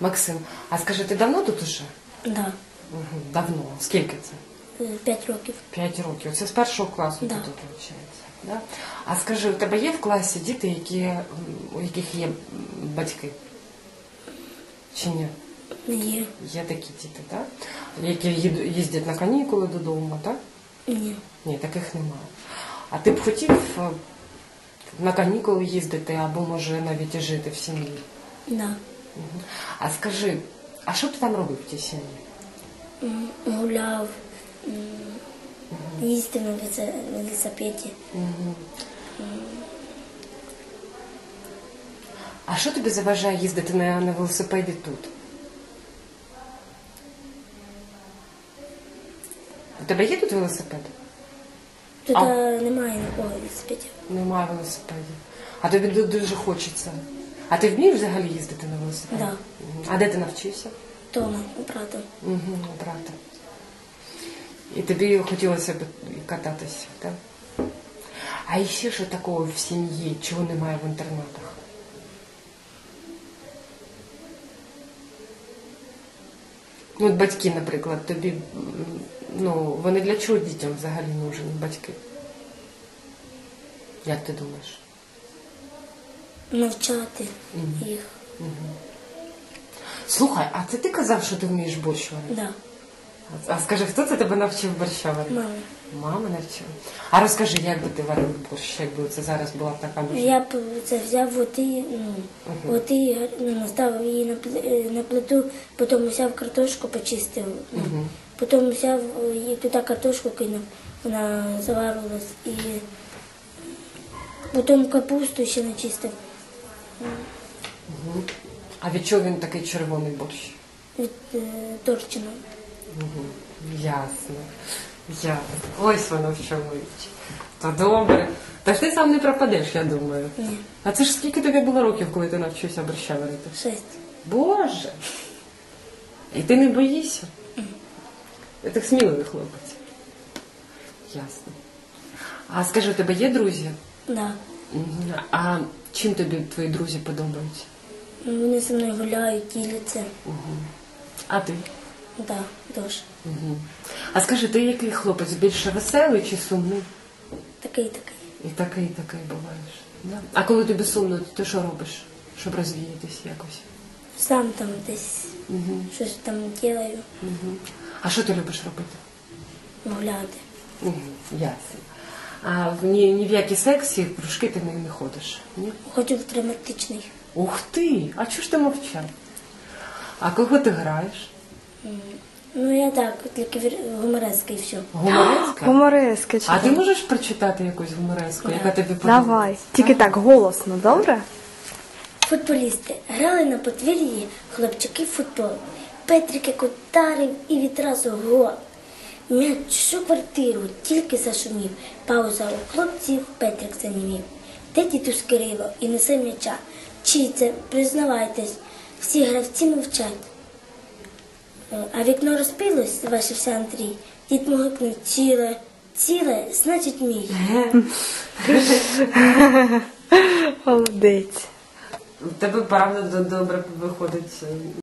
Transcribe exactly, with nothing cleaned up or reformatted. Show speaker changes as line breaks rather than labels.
Максим, а скажи, ти давно тут уже?
Да.
Угу. Давно. Скільки це?
Е, П'ять років.
П'ять років. Це з першого класу
Да.
ти тут навчається. Да? А скажи, у тебе є в класі діти, які, м, у яких є м, батьки? Чи ні?
Є.
Є такі діти, так? Які їду- їздять на канікули додому, так?
Ні.
Ні, таких немає. А ти б хотів е, на канікули їздити або, може, навіть і жити в сім'ї?
Да.
Мгм. А скажи, а що ти там робив в тій сім'ї?
М, Гуляв, м, їздив на велице- велосипеді.
Мгм. А що тобі заважає їздити на, на велосипеді тут? У тебе є тут велосипед?
Тут
А.
е, немає нікого велосипедів.
Немає велосипедів. А тобі ду- дуже хочеться. А ти вмієш взагалі їздити на велосипеді?
Да.
Мгм. А де ти навчився?
Дома, правда.
Угу, правда. І тобі хотілося б і кататися, так? А ще що такого в сім'ї, чого немає в інтернатах? Ну, от батьки, наприклад, тобі, м, ну, вони для чого дітям взагалі нужні, батьки? Як ти думаєш?
Навчати
Мгм.
їх.
Слухай, а це ти казав, що ти вмієш борщ варити?
Да.
А скажи, хто це тебе навчив борща варити?
Мама.
Мама навчила. А розкажи, як би ти варив борщ, якби це зараз була б така можливість?
Я б це взяв води, ну, води, ну, наставив її на, пл- е, на плиту, потім взяв картошку, почистив, ну,
Мгм.
потім взяв е, і туди картошку кинув, вона заварилась, і потім капусту ще начистив
Мгм. А від чого він такий червоний борщ?
від е, торчина.
Угу. Ясно. Ясно. Ось воно в чому річ. Та добре. Та ж ти сам не пропадеш, я думаю.
Ні,
А це ж скільки тобі було років, коли ти навчився борща варити?
шесть.
Боже! І ти не боїшся? Ти так сміливий хлопець. Ясно. А скажи, у тебе є друзі?
Да.
Мгм. А чим тобі твої друзі подобаються?
Вони зі мною гуляють, діляться.
А ти?
Да, дуже.
Угу. А скажи, ти який хлопець? Більше веселий чи сумний?
Такий, такий.
І такий, такий буваєш. Да? А коли тобі сумно, ти що робиш, щоб розвіятись якось?
Сам там десь
Угу.
щось там ділаю,
Угу. А що ти любиш робити?
гуляти.
Угу. Ясно. А в ні, ні в які секції, в кружки ти не, не ходиш? Ні?
Ходжу в драматичний.
Ух ти! А чого ж ти мовчав? А кого ти граєш?
Ну я так, тільки вір- гумореска і все.
Гумореска?
Гуморески
А ти
читай.
можеш прочитати якусь гумореску, яка тобі подобається?
Давай. Тільки так, голосно, добре?
Футболісти грали на подвір'ї хлопчики в футбол. Петрик як ударив і відразу гол. М'яч всю квартиру тільки зашумів. Пауза у хлопців, Петрик занімів. Де дідусь Кирило і несе м'яча? Чий це, признавайтесь, всі гравці мовчать. Е, А вікно розпилось, зважився Андрій. Дід могикнув ціле, ціле, значить мій.
Молодець.
У тебе правда добре виходить